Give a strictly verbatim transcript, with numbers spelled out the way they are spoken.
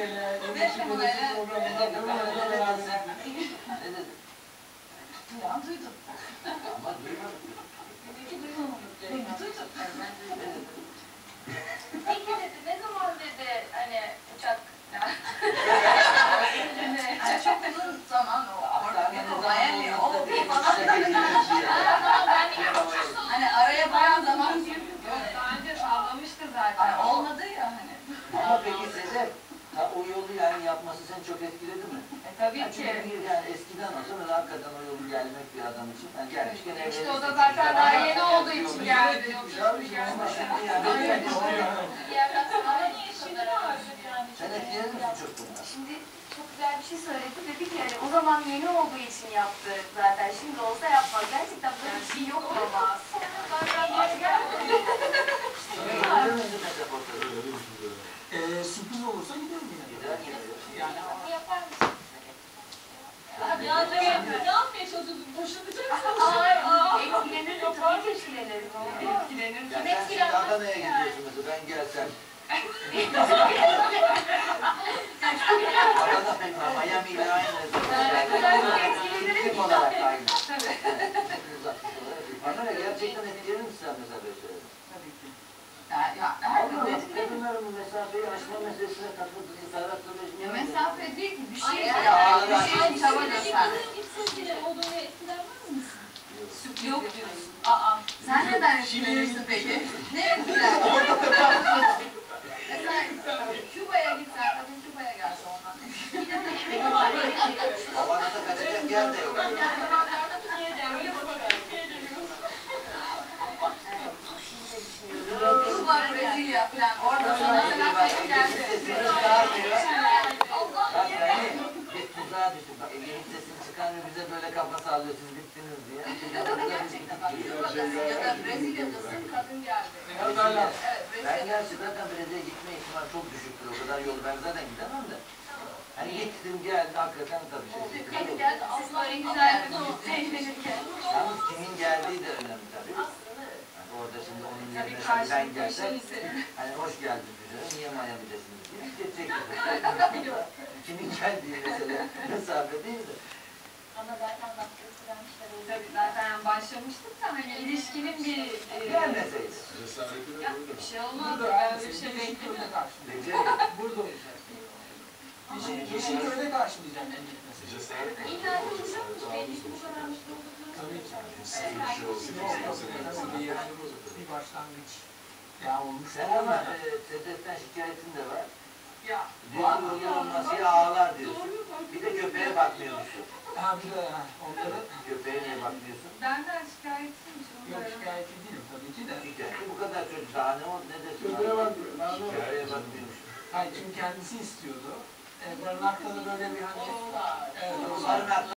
Bey'le iletişim iletişim programında ne dedin sen? Ne dedin? Ya duydum. Ama duymadım. Peki duymadım. Duydum. Peki dedi, ne zaman dedi hani uçak Yani çok uzun zaman o. Orada Miami o bir falan. Hani araya bayağı zaman girdi. daha önce sallamıştı zaten. Hani olmadı ya hani. Ama peki Sedef, ha, o yolu yani yapması seni çok etkiledi mi? E tabii Yani ki. çünkü bir yani eskiden olsa böyle hakikaten o yolu gelmek bir adam için yani gelmişken evlenirsin. İşte o da zaten daha yeni olduğu için geldi. Yoksa bir Ama geldi. şimdi yani sen etkilenir misin çok bundan? Şimdi çok güzel bir şey söyledi. Dedi ki yani o zaman yeni olduğu için yaptı zaten. Şimdi olsa yapmaz. Gerçekten böyle bir şey yok ama. Ee, sürpriz olursa giderim yine. Yani Ne yapmaya çalışıyorsun? Boşanacaksın. Ay, etkilenir. Tabii ki etkilenir. Etkilenir. Ya sen şimdi Adana'ya gidiyorsun mesela, ben gelsem. Adana pek Miami ile aynı. Kim olarak aynı. Bana ne, gerçekten etkilenir misin sen mesela böyle şeyler? Tabii ki. Ya, ya her gün etkilenir. Kadınların bu mesafeyi aşma meselesine takıldığı tarafta Ya mesafe değil ki bir şey Ay, ya. ay, Bir ay, şey ay, çaba ay, göstermek. olduğunu etkilenmez misin? Yok diyorsun. Aa, sen neden etkilenirsin peki? Ne etkiler? Mesela Küba'ya gitsen, kadın Küba'ya gelse ondan. Havanada kaçacak yer de yok. Küba, Brezilya falan. Orada sana mesela tek geldi. Bak beni, biz tuzağa düştük. Bak elinin sesini çıkarmıyor, bize böyle kafa sallıyor, siz bittiniz diye. Ya da gerçekten bak Küba'dasın ya da Brezilya'dasın, kadın geldi. Evet, Ben Brezilya. gerçi zaten Brezilya'ya gitme ihtimali çok düşüktür, o kadar yolu ben zaten gidemem de. Hani gittim geldi, hakikaten tabii şey. Kadın geldi, Siz Allah böyle güzel bir sohbet eğlenirken. Yalnız kimin geldiği de önemli tabii. Yani orada şimdi onun yerine şimdi ben gelsem, hani hoş geldin güzelim, niye Miami'desiniz diye geçecektir. Kimin geldiği mesela mesafe değil de. Ama zaten baktığınızı vermişler. Tabii zaten başlamıştık da hani ilişkinin bir e, Gelmeseydi. bir şey olmaz. Ben bir şey Yeşilköy'de beklemiyorum. karşılayacak. Beceri. Burada olacak. Yeşil, Yeşilköy'de karşılayacak en gitmesi. İlla ki uzamış. Belli ki bu kadar mutlu olduklarını. Tabii ki. Tabii yani bu bir başlangıç. Ya olmuş. Sen ama e, Sedef'ten şikayetin de var. Ya. Diyor ki yolun nasıl ağlar diyorsun. Bir de köpeğe bakmıyormuşsun. Ha bir de ha, onları Köpeğe niye bakmıyorsun? Benden şikayetçiymiş. yok şikayetçi değilim tabii ki de. Şikayeti bu kadar çocuk daha ne oldu ne desin? Köpeğe bakmıyor. Köpeğe bakmıyormuş. Hayır çünkü kendisi istiyordu. E, barınakta da böyle bir hani... Evet, Barınakta